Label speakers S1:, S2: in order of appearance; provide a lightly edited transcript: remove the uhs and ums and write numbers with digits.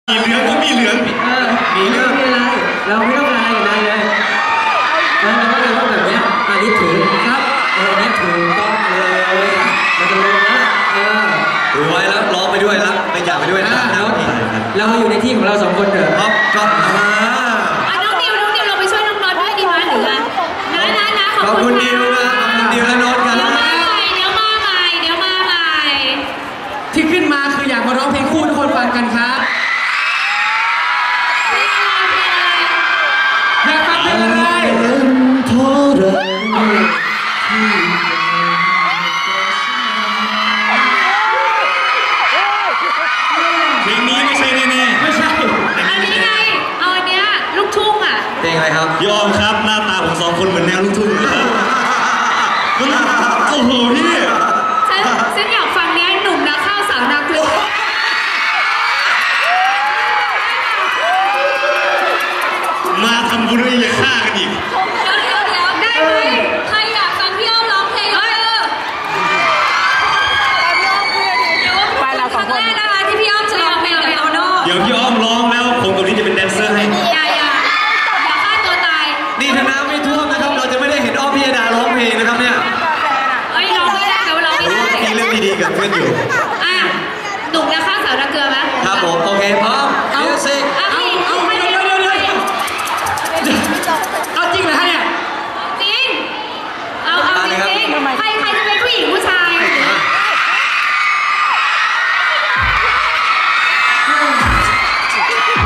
S1: มีเหลืองก็มีเหลืองมีเรื่อง
S2: ไม่เป็นไรเราไม่ต้องการอะไรอย่างใดเลยเราก็เลยต้องแบบเนี้ยอันนี้ถือครับเนี่ยถูกต้องเลยมันจะลงนะ
S1: ถือไว้แล้วร้องไปด้วยแล้วไปจับไปด้วยนะ
S2: เราอยู่ในที่ของเราสองคนเถอะ
S1: ครับก็
S3: น้องดิวเราไปช่วยน้องน็อตด้วยดีไหมหรือไงนะ
S1: ขอบคุณดิวนะขอบคุณดิวและโน้ตกัน
S3: เดี๋ยวมาใหม่
S2: ที่ขึ้นมาคืออยากมาร้องเพลงคู่ทุกคนฟังกันครับอยากฟังเพลงอะไรเพราะเรา
S1: เพลงนี้ไม่ใช่แน่
S2: ไม่ใช่
S3: อันนี้ไงเอาอันเนี้ยลูกทุ่งอ่ะ
S1: เพลงอะไรครับยอมครับหน้าตาผมสองคนเหมือนแนวลูกทุ่งเลยโอ้โหพี่
S3: ฉันอยากฟังเนี้ยหนุ่มนักข้าวสาวนักเพลง
S1: มาทำบุญอย่าฆ่ากันอีก
S3: ได้ไหมใครอยากฟังพี่อ้อมร้องเพลงไปเราสองคนนะคะที่พี่อ้อมจะร้องเพลงกับโตโน่
S1: เดี๋ยวพี่อ้อมร้อง